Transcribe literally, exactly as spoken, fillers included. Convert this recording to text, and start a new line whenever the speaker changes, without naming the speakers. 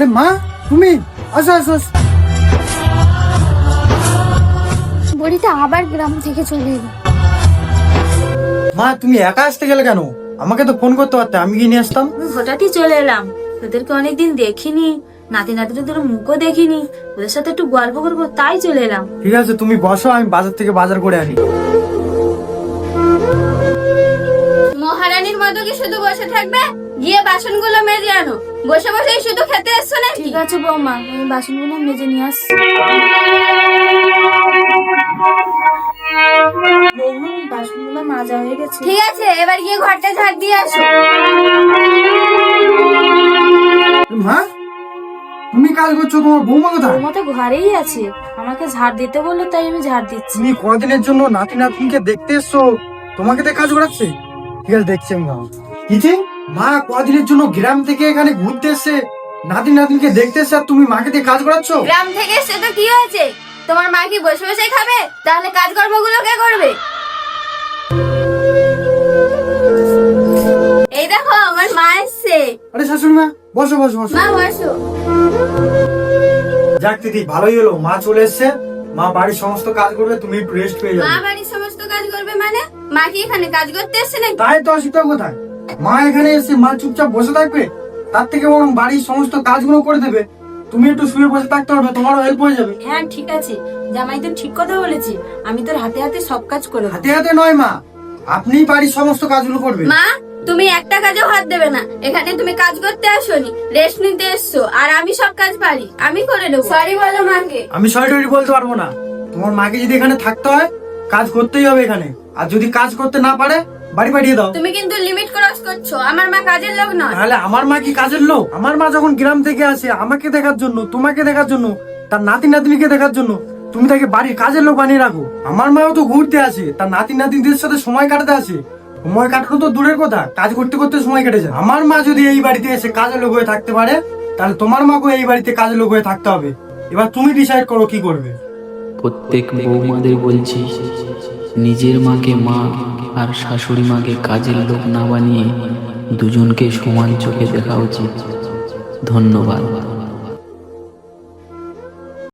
আরে মা, তুমি আসো আসো আসো।
বুড়িটা আবার গ্রাম থেকে চলে এলো।
মা, তুমি একা আসতে গেলে কেন? আমাকে তো ফোন করতে পারতে, আমি গিয়ে নিয়ে আসতাম।
আমি হঠাৎই চলে এলাম, তোদেরকে অনেকদিন দেখিনি, নাতি নাতিদের মুখও দেখিনি, ওদের সাথে একটু গল্প করবো তাই চলে এলাম।
ঠিক আছে, তুমি বসো, আমি বাজার থেকে বাজার করে আনি।
মহারানীর মতো কি শুধু বসে থাকবে? গিয়ে বাসনগুলো মেজে আনো। বসে বসে শুধু খেতে এসছো নাকি?
ঠিক আছে বৌমা, আমি বাসনগুলো মেজে নিয়ে আসছি। বৌমা, বাসনগুলো মাজা হয়ে গেছে।
ঠিক আছে, এবার গিয়ে ঘরটা ঝাড় দিয়ে আসো।
মা, তুমি কাজ করছো, তোমার বৌমা কোথায়?
বৌমা তো ঘরেই আছে, আমাকে ঝাড় দিতে বললো তাই আমি ঝাড় দিচ্ছি।
তুমি কদিনের জন্য নাতি নাতনিকে দেখতে এসছো, তোমাকে তো কাজ করাচ্ছে। ঠিক আছে, দেখছি আমি। বাবা কি যে মা কদিনের জন্য গ্রাম থেকে এখানে ঘুরতে এসছে, নাতি নাতনিকে দেখতে এসছে, আর তুমি মাকে দিয়ে কাজ করাচ্ছ?
গ্রাম থেকে এসে তো কি হয়েছে? তোমার মা কি বসে বসে খাবে? তাহলে কাজকর্মগুলো কে করবে? এই দেখো আমার মা এসছে।
আরে শাশুড়ি মা, বসো বসো বসো।
মা বসো।
যাক দিদি, ভালোই হলো মা চলে এসছে। মা বাড়ির সমস্ত কাজ করবে, তুমি একটু রেস্ট পেয়ে
মা
যাবে।
বাড়ির সমস্ত কাজ করবে মানে? মা কি এখানে কাজ করতে এসছে নাকি?
তাই তো অসুবিধা কোথায়? মা এখানে এসে মা চুপচাপ বসে থাকবে, তার থেকে বরং বাড়ির সমস্ত কাজগুলো করে দেবে। তুমি একটু শুয়ে বসে থাকতে পারবে, তোমারও হেল্প হয়ে যাবে।
হ্যাঁ ঠিক আছে, জামাই তো ঠিক কথা বলেছি, আমি তোর হাতে হাতে সব কাজ করে দেবো।
হাতে হাতে নয় মা, আপনি বাড়ির সমস্ত কাজগুলো করবে।
মা, তুমি একটা কাজেও হাত দেবে না। এখানে তুমি কাজ করতে আসোনি, রেস্ট নিতে এসছো। আর আমি সব কাজ পারি, আমি করে দেবো। সরি বলো মাকে।
আমি সরি টরি বলতে পারবো না। তোমার মাকে যদি এখানে থাকতে হয়, কাজ করতেই হবে এখানে। আর যদি কাজ করতে না পারে, বাড়ি পাঠিয়ে দাও।
তুমি কিন্তু লিমিট ক্রস করছো। আমার মা কাজের লোক নয়।
তাহলে আমার মা কি কাজের লোক? আমার মা যখন গ্রাম থেকে আসে আমাকে দেখার জন্য, তোমাকে দেখার জন্য, তার নাতি নাতনিকে দেখার জন্য, তুমি তাকে বাড়ির কাজের লোক বানিয়ে রাখো। আমার মাও তো ঘুরতে আসে, তার নাতি নাতনিদের সাথে সময় কাটাতে আসে। সময় কাটানো তো দূরের কথা, কাজ করতে করতে সময় কেটে যায়। আমার মা যদি এই বাড়িতে এসে কাজের লোক হয়ে থাকতে পারে, তাহলে তোমার মাকেও এই বাড়িতে কাজের লোক হয়ে থাকতে হবে। এবার তুমি ডিসাইড করো কি করবে।
প্রত্যেক বৌমাদের বলছি, নিজের মাকে মা আর শাশুড়ি মাকে কাজের লোক না বানিয়ে দুজনকে সমান চোখে দেখা উচিত। ধন্যবাদ।